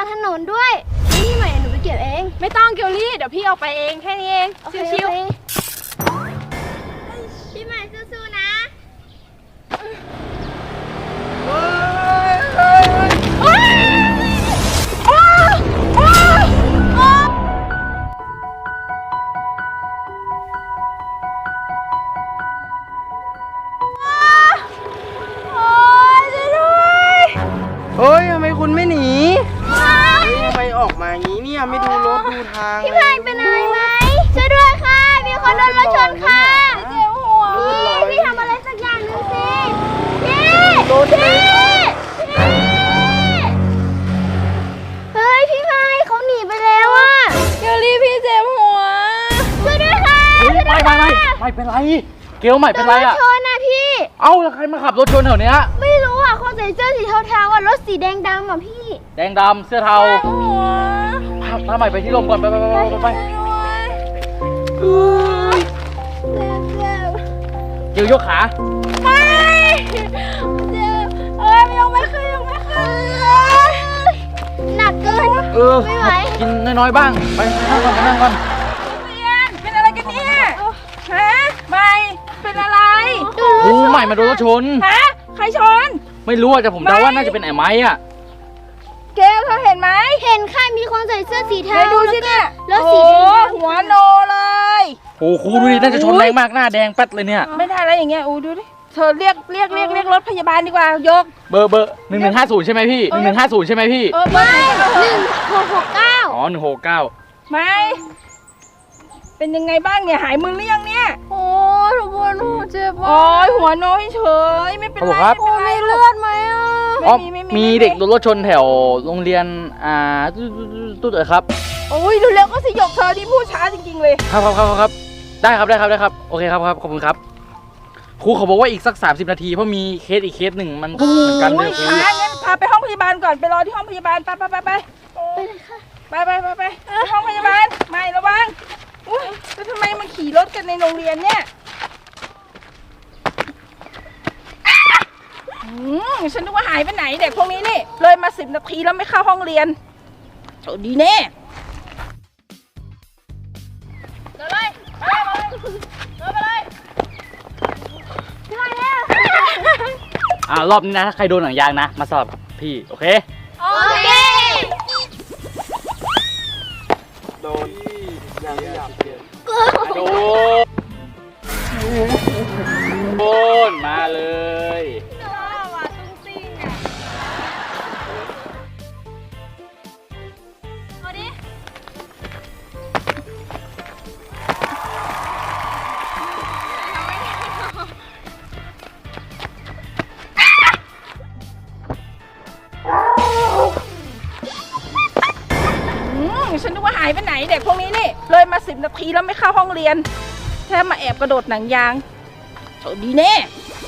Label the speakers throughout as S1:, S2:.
S1: างถนนด้วยนี่ใหม่หนูไปเก็บเอง
S2: ไม่ต้องเกลลี่เดี๋ยวพี่เอาไปเองแค่นี้เองชิว
S1: ๆพี่ใหม่สู้ๆนะ
S3: เฮ้ยทำไมคุณไม่หนีทำไมออกมาอย่างนี้เนี่ยไม่ดูรถดูทาง
S1: พี่ใหม่เป็นอะไรไหมช่วยด้วยค่ะมีคนโดนรถชนค่ะเจ็บหัวพี่ทำอะไรสักอย่างหนึ่งสิพี่เฮ้ยพี่ใหม่เขาหนีไปแล้วอ่ะ
S2: เกลลี่พี่เจ็บหัว
S1: ช่วยด้วยค่ะ
S4: ไม่เป็นไรเกลใหม่เป็นไรอะ
S1: ชนนะพี่
S4: เอ้าแล้วใครมาขับรถชนแถวเนี้ย
S1: ไม่รู้อ่ะคนใส่เสื้อสีเทาๆอ่ะรถสีแดงดำอ่ะพี่
S4: แดงดำเสื้อเทาพาใหม่ไปที่ลมก่อนไปเกลยกขา
S1: ไม่เจ็บยังไม่ขึ้นหนักเกินไม่ไหว
S4: กินน้อยๆบ้างไปนั่งก่อน
S2: เป็นอะไรกันเนี่ยฮะไม่เป็นอะไร
S4: ใหม่มาโดนรถชน
S2: ฮะใครชน
S4: ไม่รู้แต่ผมเดาว่าน่าจะเป็นไอ้ไม้อะ
S2: เกลเธอเห็นไหม
S1: เห็นค่ะมีคนใส่เสื้อสีเทา
S2: ดูสิเนี่ย
S1: รถสี
S2: หัวโนเลย
S4: โอ้ครูดูดิน่าจะชนแรงมากหน้าแดงแป๊ดเลยเนี่ย
S2: ไม่ได้แล้วอย่างเงี้ยดูดิเธอเรียกรถพยาบาลดีกว่ายก
S4: เบอร์1150ใช่ไหมพี่1150ใช่ไหมพี่
S1: ไม่1669
S4: อ๋อ169
S2: ไม่เป็นยังไงบ้างเนี่ยหายมึนหรือยังเนี่ย
S1: โอ้ทุกคนเจ็บ
S2: โอ้ยหัวโนเฉยไม่เป็นไร
S1: มีเลือดไหมอ่ะ
S4: มีเด็กโดนรถชนแถวโรงเรียนตุ๊ดครับ
S2: โอ้ยเร็วๆก็สยบเธอที่พูดช้าจริงๆเลย
S4: ครับได้ครับโอเคครับขอบคุณครับครูเขาบอกว่าอีกสัก30 นาทีเพราะมีเคสอีกเคสหนึ่งมันเหมือนกันเลย
S2: ช้างั้นพาไปห้องพยาบาลก่อนไปรอที่ห้องพยาบาลไปห้องพยาบาลไม่ระวังแล้วทำไมมาขี่รถกันในโรงเรียนเนี่ยฉันนึกว่าหายไปไหนเด็กพวกนี้นี่เลยมา10 นาทีแล้วไม่เข้าห้องเรียนโอ้ดีแน่เลย
S4: รอบนี้นะถ้าใครโดนหนังยางนะมาสอบพี่โอเค
S3: โดนยังไม่อยากเปลี่ยน
S4: โดนมาเลย
S2: ฉันนึกว่าหายไปไหนเด็กพวกนี้นี่เลยมา10 นาทีแล้วไม่เข้าห้องเรียนแค่มาแอบกระโดดหนังยางโอ้ดีแน่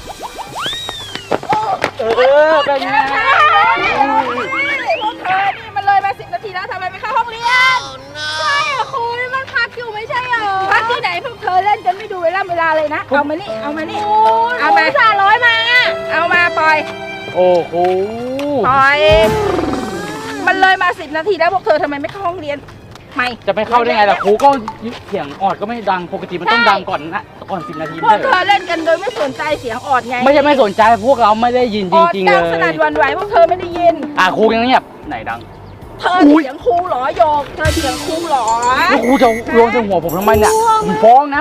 S4: เป็นไง
S2: พวกเธอนี่มันเลยมา10 นาทีแล้วทำไมไม่เข้าห้องเรียน
S1: ใช่อะครูนี่มันพักอยู่ไม่ใช่เหรอ
S2: พักที่ไหนพวกเธอเล่นกันไม่ดูเวลาเลยนะเอามานี่เอามา
S1: 300มา
S2: เอามาปล่อย
S4: โอ้โห
S2: ปล่อยมันเลยมา10 นาทีแล้วพวกเธอทำไมไม่เข้าห้องเรียนไม่
S4: จะไม่เข้าได้ไงล่ะครูก็เสียงออดก็ไม่ดังปกติมันต้องดังก่อน10 นาที
S2: พวกเธอเล่นกันโดยไม่สนใจเสียงออดไง
S4: ไม่ใช่ไม่สนใจพวกเราไม่ได้ยินจริงๆเลย
S2: ดังสนั่นหวั่นไหวพวกเธอไม่ได้ยิน
S4: ครูยังเงียบไหนดัง
S2: เธอเสียงครูหรอโยกเธอเสียงครูหรอ
S4: แล้วครูจะโยนใส่หัวผมทำไมเนี่ยผมฟ้องนะ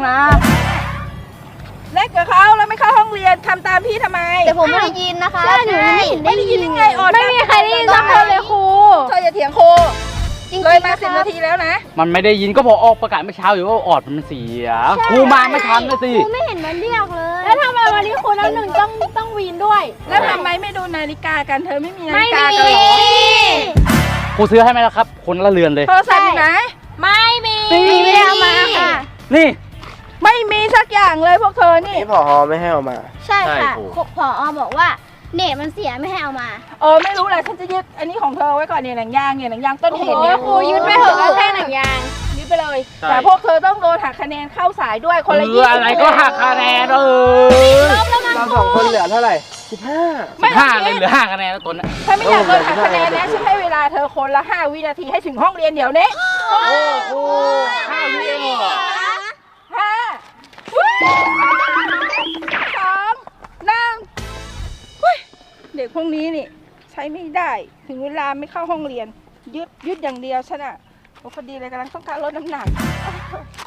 S2: เล่นกับเขาแล้วไม่เข้าห้องเรียนทำตามพี่ทำไม
S1: แต่ผมไม่ได้ยินนะคะ
S2: ไม่ได้ยินยังไงออด
S1: ไม่มีใครได้ยินสักคนเลยครู
S2: เธออย่าเถียงครูเลยมา10 นาทีแล้วนะ
S4: มันไม่ได้ยินก็พอออกประกาศเมื่อเช้าอยู่ว่าออดมันเสียครูมาไม่ทันเลยสิ
S1: ครูไม่เห็นมันเรียกเลย
S2: แล้วทำไมวันนี้ครูน้ำหนึ่งต้องวีนด้วยแล้วทำไมไม่ดูนาฬิกากันเธอไม่มีนาฬิกากันหรอ
S4: ครูซื้อให้ไหมล่ะครับคนละเรือนเลย
S2: โทรศัพท์ไหน
S1: ไม่มีไม่ได้เอามาค่ะ
S4: นี่
S2: ไม่มีสักอย่างเลยพวกเธอนี่
S3: ผอไม่ให้เอามา
S1: ใช่ค่ะผอบอกว่าเน็ตมันเสียไม่ให้เอามา
S2: ไม่รู้แหละฉันจะยึดอันนี้ของเธอไว้ก่อนเนี่ยหนังยางต้นเหตุเนี่ย
S1: ครูยึดไปเถอะแค่หนังยาง
S2: ยึดไปเลยแต่พวกเธอต้องโดนหักคะแนนเข้าสายด้วยคนละ20
S4: อะไรก็หักคะแนน
S3: เรา2 คนเหลือเท่าไหร่ 15
S2: ไม่
S4: 15เลยเหลือ5คะแนนแล้วตนน่ะ
S2: ถ้าไม่อยากโดนหักคะแนนนะฉันให้เวลาเธอคนละ5 วินาทีให้ถึงห้องเรียนเดี๋ยวนี้
S3: โอ้โห5 วิเองเหรอ
S2: 5 2 1 เด็กพวกนี้นี่ใช้ไม่ได้ถึงเวลาไม่เข้าห้องเรียนยึดอย่างเดียวฉันอ่ะโอ้พอดีเลยกำลังต้องการลดน้ำหนัก